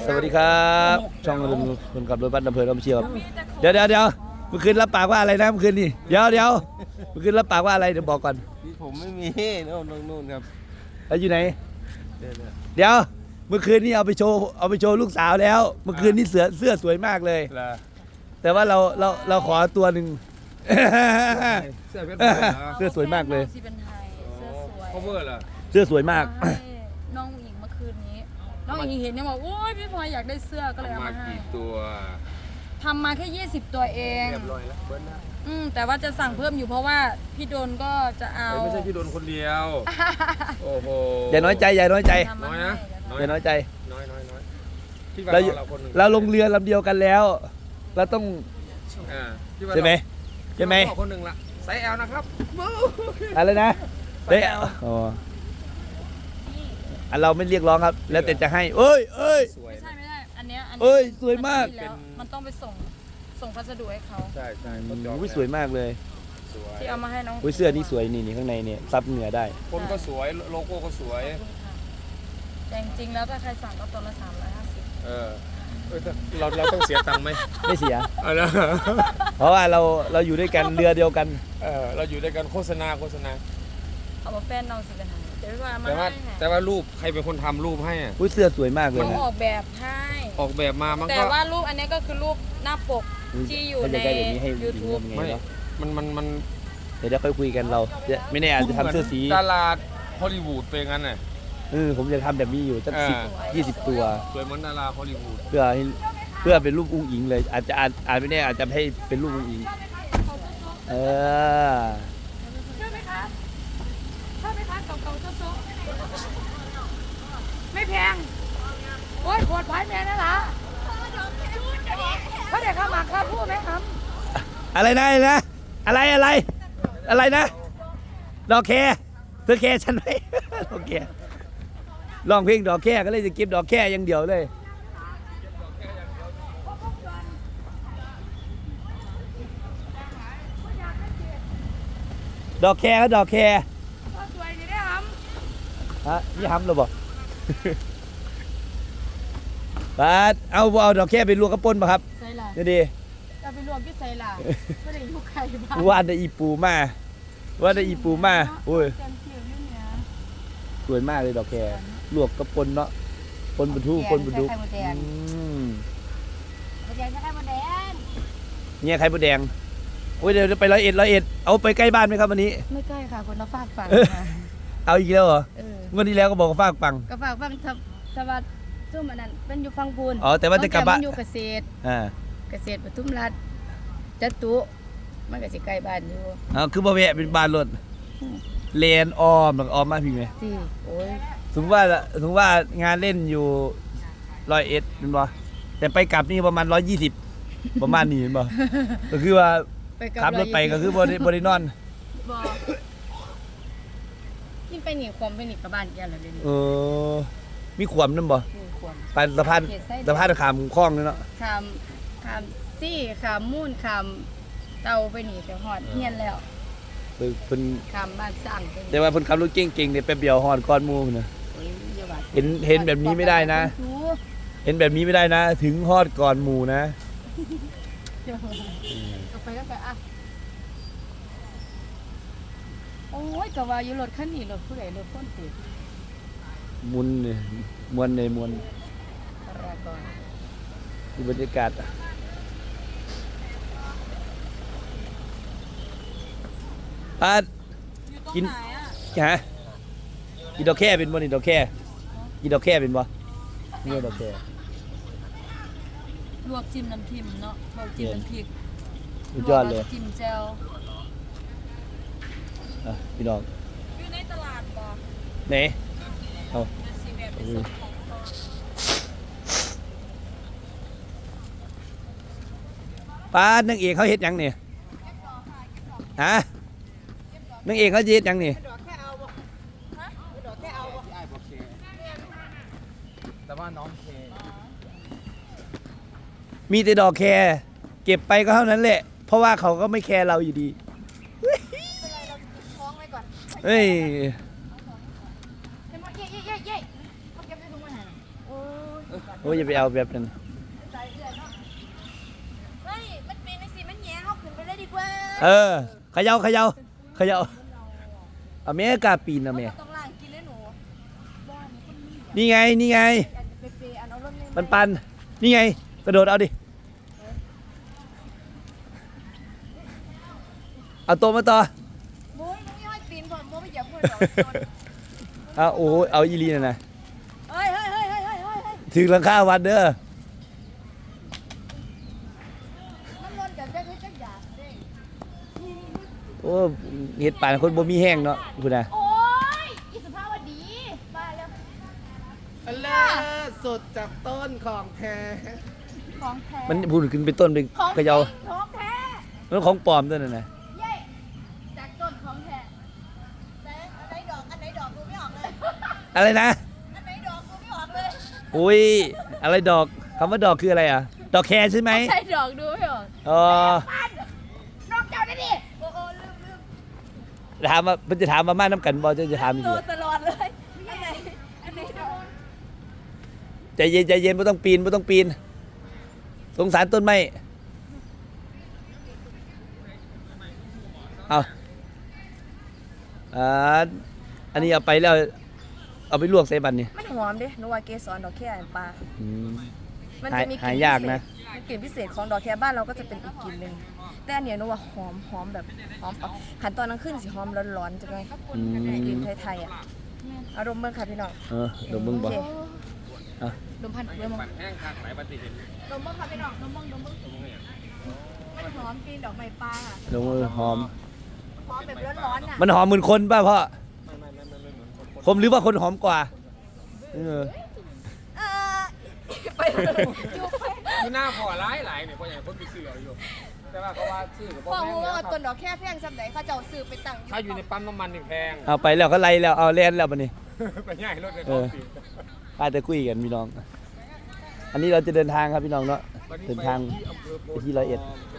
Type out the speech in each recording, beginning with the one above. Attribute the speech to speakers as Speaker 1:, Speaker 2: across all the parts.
Speaker 1: สวัสดีครับช่องลุงคนขับรถบัสอำเภอลำเชียวเดี๋ยวเมื่อคืนรับปากว่าอะไรนะเมื่อคืนนี่เดี๋ยวเมื่อคืนรับปากว่าอะไรเดี๋ยวบอกก่อน
Speaker 2: ผมไม่มีนู่นครับ
Speaker 1: แล้วอยู่ไหนเดี๋ยวเมื่อคืนนี้เอาไปโชว์ลูกสาวแล้วเมื่อคืนนี้เสื้อสวยมากเลยแต่ว่าเราขอตัวหนึ่งเสื้อสวยมากเลย
Speaker 3: เสื้อสวย
Speaker 2: cover เหรอ
Speaker 1: เสื้อสวยมาก
Speaker 3: น้องหญิงเมื่อคืนนี้น้องหญิงเห็นเนี่ยบอกโอ้ยพี่พลอยอยากได้เสื้อก็เลยเอามาให้
Speaker 2: กี่ตัว
Speaker 3: ทำมาแค่20ตัวเอง
Speaker 2: เรียบร้อยแล้วเบิ้ลนะ
Speaker 3: แต่ว่าจะสั่งเพิ่มอยู่เพราะว่าพี่โดนก็จะเอา
Speaker 2: ไม่ใช่พี่โดนคนเดียวโอ้โห
Speaker 1: อย่าน้อยใจน้อยนะ
Speaker 2: น้อย
Speaker 1: อย่าน้อยใจ
Speaker 2: น้อย
Speaker 1: เราลงเรือลำเดียวกันแล้วเราต้องใช่ไหม
Speaker 2: คนหนึ่งละไซส์ L นะครับ
Speaker 1: อะไรนะได้อ๋อเราไม่เรียกร้องครับแล้วแต่จะให้เอ้ย
Speaker 3: ไม่ใช่อันเนี้ย
Speaker 1: สวยมาก
Speaker 3: มันต้องไปส่งพัสดุให้เขา
Speaker 2: ใช่
Speaker 1: สวยมากเลย
Speaker 3: ที่เอามาให้น้อง
Speaker 1: เสื้อนี่สวยนี่ข้างในเนี่ยซับเหนือได้
Speaker 2: คนก็สวยโลโก้ก็สวย
Speaker 3: แต่จริงๆแล้วถ้าใครสั่งก็ตัวละ350
Speaker 2: เราต้องเสียตังค์ไหม
Speaker 1: ไม่เสียเพราะว่าเราอยู่ด้วยกันเรือเดียวกัน
Speaker 2: เราอยู่ด้วยกันโฆษณา
Speaker 3: เอามาแฟนน้องสิเป็นหา
Speaker 2: แต่ว่ารูปใครเป็นคนทำรูปให้อ่ะ
Speaker 1: เสื้อสวยมากเลย
Speaker 3: นะออกแบบให้
Speaker 2: ออกแบบมามันก็
Speaker 3: แต่ว่ารูปอันนี้ก็คือรูปหน้าปกที่อยู่ใน YouTube
Speaker 2: ไม่มัน
Speaker 1: เดี๋ยวค่อยคุยกันเราไม่แน่อาจจะทำเสื้อสี
Speaker 2: ตลาดฮอลลีวูดเป็นงั้นน่ะ
Speaker 1: ผมจะทำแบบนี้อยู่สัก10-20 ตัว
Speaker 2: สวยเหมือนดาราฮอลลีวูด
Speaker 1: เพื่อเป็นรูปอุ้งอิงเลยอาจจะไม่แน่อาจจะให้เป็นรูปอุ้งอิง
Speaker 3: ชอบไหมคะเก่าโซ่ไม่แพงโอ้ยปวดพายแม่นั่นล่ะเขาเด็กข้าหมากข้าพูดไหมครับ
Speaker 1: อะไรนะอะไรนะดอกแคเธอแคฉันไหมดอกแคร้องเพลงดอกแคก็เลยจะเก็บดอกแคอย่างเดียวเลยดอกแคก็ดอกแค
Speaker 3: สวยนี่ได้ห
Speaker 1: ำนี่หำหรือเปล่าเอาดอกแคไปลวกกระปุ้นป่ะครับ
Speaker 3: ใส่ละ
Speaker 1: นี่ดี
Speaker 3: เอาไปรวมที่ใส่ละไม่ได้ยุคใครบ้าง
Speaker 1: ว่าได้อีปูมาโอ้ยสวยมากเลยดอกแคลวกกระปุ้นเนาะปนบุทุเนี่ยไข่มดแดงโอ้ยเดี๋ยวไป101เอาไปใกล้บ้านไหมครับวันนี้
Speaker 3: ไม่ใกล้ค่ะคนละฝากฝั่ง
Speaker 1: เอาอีกแล้วเหรอวันที่แล้วก็บอกว่าฝากฝั่ง
Speaker 3: สวัสดิ์ทุ่มอันนั้นเป็นอยู่ฟังพูน
Speaker 1: แต่ว่าจะกลับบ้าน
Speaker 3: อยู่เกษตรปทุมรัฐจัตุมันก็สิใกล้บ้านอยู่
Speaker 1: คือบ่แวะเป็นบ้านรถเลนออมมาพี่ไหม
Speaker 3: โอ้ย
Speaker 1: ถึงว่างานเล่นอยู่101เป็นบ่แต่ไปกลับนี่ประมาณ120ประมาณนี้เป็นบ่ก็คือว่าขับรถไปก็คือบรินอน
Speaker 3: นี่ไปหนีความไปหนีกับบ้านแกอะไรเลย
Speaker 1: มีขวมนั่นบ่ไปสะพานขามคลองนี่เนาะ
Speaker 3: ขามซี่ขามมูนขามเตาไปหนีไปหอดเฮียนแล้ว
Speaker 1: เพิ่น
Speaker 3: ขามบ้านสร้าง
Speaker 1: แต่ว่าเพิ่นขับรถเก่งๆเนี่ยแป๊บเดียวหอดก้อนหมู่พุ่นน่ะเห็นแบบนี้ไม่ได้นะเห็นแบบนี้ไม่ได้นะถึงฮอดก่อนหมู่นะ
Speaker 3: ไปก็อ่ะโอ้ยก็ว่าอยู่รถคันนี้รถผู้ใดรถคนติด
Speaker 1: มุนเนี่ยมวนดูบรรยากาศกินกินดอกแค่เป็นบ่นี่ดอกแค่กินดอกแค่เป็นบ่นี่ดอกแค่
Speaker 3: ลวกจิ้มน้ำทิมเนาะลวกจิ้มน้ำพริก
Speaker 1: สุดยอดเลย
Speaker 3: จิ้มแจ่ว
Speaker 1: พี่น้อง
Speaker 3: อยู่ในตลาดบ่
Speaker 1: ไหนนางเอกเขาเฮ็ดยังเนี่ยนางเอกเขาเฮ็ดยังเนี่ย
Speaker 2: แต่ว่าน้องเค
Speaker 1: มีแต่ดอกแคร์เก็บไปก็เท่านั้นแหละเพราะว่าเขาก็ไม่แคร์เราอยู่ดีเฮ้ยโอ้ยอย่าไปเอาแบบนั้น
Speaker 3: เฮ้ยมันเป็นสิมันแย่เขาขึ้นไปเลยดีกว่า
Speaker 1: เออเขย่าเอาแม่กล้าปีนนะแม่
Speaker 3: ต้องล้างกินเลยหนู
Speaker 1: นี่ไง
Speaker 3: อันเปอันเอารถเลย
Speaker 1: ปันนี่ไงกระโดดเอาดิเอาตัวมาต่อ
Speaker 3: โอ้ยมึงยังให้ปีนผมโมไม่เหยียบมือหรอก
Speaker 1: เอาโอ้ยเอาอีลีน่ะนะ
Speaker 3: เฮ้ย
Speaker 1: ถึงหลังคาวัดเด้อ
Speaker 3: มันร้อนกันจะจักอยากเด้
Speaker 1: โอ้เห็ดป่านคนบ่มีแห้งเนาะคุณน่ะ
Speaker 3: โอ้ยอีสุภาพวดีมาแล้ว
Speaker 4: เลิศสดจากต้นของแท้
Speaker 3: ของแท้
Speaker 1: มันพูดขึ้นเป็นต้นเป็น
Speaker 3: ของ
Speaker 1: เขย่า
Speaker 3: ของแท้
Speaker 1: มันของปลอมตัวนั่นน่ะ
Speaker 3: เย้จากต้นของแท้อันไหนดอกดูไม่ออกเลย
Speaker 1: อะไรนะ
Speaker 3: อันไหนดอกดูไม่ออกเลย
Speaker 1: อุ้ยอะไรดอกคำว่าดอกคืออะไรอ่ะดอกแคร์ใช่ไหม
Speaker 3: ใช่ดอกดูไม่ออก
Speaker 1: อ๋อ
Speaker 3: ดอกเจ้าได้ดิโอ้ลืม
Speaker 1: ถามว่ามันจะถามมาม่าน้ำกันบอจะถามอีก
Speaker 3: โต
Speaker 1: เหรอ
Speaker 3: ตลอดเลยอันไหนดอก
Speaker 1: ใจเย็นไม่ต้องปีนสงสารต้นไม้เอาอันนี้เอาไปแล้วเอาไปลวกใส่บันนี่
Speaker 3: มันหอมดิหนูว่าเกสรดอกแค่ปลา
Speaker 1: อืม
Speaker 3: มันจะมีกลิ่น
Speaker 1: หายากนะ
Speaker 3: กลิ่นพิเศษของดอกแคบ้านเราก็จะเป็นอีกกลิ่นหนึ่งแต่อันเนี้ยหนูว่าหอมแบบหอมปักขันตอนนั้นขึ้นสิหอมร้อนๆจังเลย
Speaker 1: อืม
Speaker 3: กลิ่นไทยๆอ่ะอารมณ์เบิ่งค่ะพี่น้อง
Speaker 1: เดี๋ยวมึงบอก
Speaker 3: โเค
Speaker 1: อ่ะ
Speaker 3: ดมพันเริ่ม
Speaker 2: ปั่นแห้งคักไหนปฏิเห็น
Speaker 3: ดมเบิ่งค่ะพี่น้องดมเบิ่งมันหอมกลิ่นดอกไม้ปลาอะ
Speaker 1: เดี๋ยวมือหอม
Speaker 3: หอมแบบร้อนๆอ่ะ
Speaker 1: มันหอมเหมือนคนป่ะพ่อ
Speaker 2: ไม่เหมือนคน
Speaker 1: ผมหรือว่าคนหอมกว่าเออ
Speaker 3: เออไปเลยจุ๊บไป
Speaker 2: คือหน้าพอร้ายหลายเนี่ยเพราะอย่างคนไปซื้อเอาอยู่แต่ว่าเขาว่าซื้อกับ
Speaker 3: บอกหูว่าต้นดอกแค่แพงสักไหนเขาจะเอาซื้อไปตั้ง
Speaker 2: ถ้าอยู่ในปั๊มน้ำมันนี่แพง
Speaker 1: เอาไปแล้วก็ไล่แล้วเอาเล่นแล้วบันนี้
Speaker 2: ไปง่ายรถในท้องถิ่น
Speaker 1: อาจจะคุยกันพี่น้อง อันนี้เราจะเดินทางครับพี่น้องเนาะเดินทางไปที่101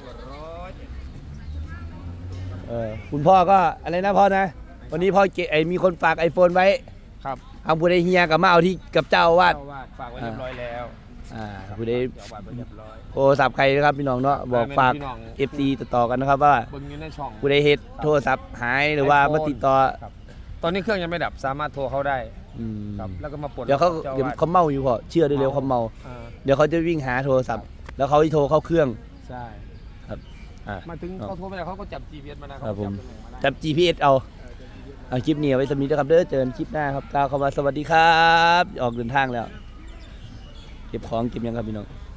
Speaker 1: คุณพ่อก็อะไรนะพ่อนะ วันนี้พ่อมีคนฝาก iPhone ไว้
Speaker 2: ครับ
Speaker 1: เอาผู้ใดเฮียกับมาเอาที่กับเจ้าอาวาด
Speaker 2: เจ้าอาวาสฝากไว้เรียบร้อยแล้ว
Speaker 1: ผู้ใด
Speaker 2: เจ้าอาวาสไว้เรียบร้อย
Speaker 1: โทรศัพท์ใครนะครับพี่น้องเนาะบอกฝาก
Speaker 2: พี่น้อง
Speaker 1: FC ต่อๆกันนะครับว่า
Speaker 2: เบิ่งอยู่ในช่อง
Speaker 1: ผู้ใดเฮ็ดโทรศัพท์หายหรือว่ามาติดต่อ
Speaker 2: ครับตอนนี้เครื่องยังไม่ดับสามารถโทรเข้าได้
Speaker 1: อืม
Speaker 2: ครับแล้วก็มาปลด
Speaker 1: เดี๋ยวเขา
Speaker 2: จ้
Speaker 1: เดี๋ยว
Speaker 2: อวส
Speaker 1: เขาเมาอยู่พอเชื่อได้เลยว่าเขาเมา
Speaker 2: อ่า
Speaker 1: เดี๋ยวเขาจะวิ่งหาโทรศัพท์ แล้วเขาจะโทรเข้าเครื่อง
Speaker 2: ใช่
Speaker 1: ครับอ่า
Speaker 2: มาถึงเขาโทรไปแล้วเขาก็จับ GPS มานะครับ
Speaker 1: ผม
Speaker 2: จับตำแหน่งมาได้
Speaker 1: จับ GPS เอาคลิปนี้เอาไว้สำนีนะครับเด้อเจอกันคลิปหน้าครับกล่าวคำว่าสวัสดีครับ ออกเดินทางแล้ว เก็บของเก็บยังครับพี่น้อง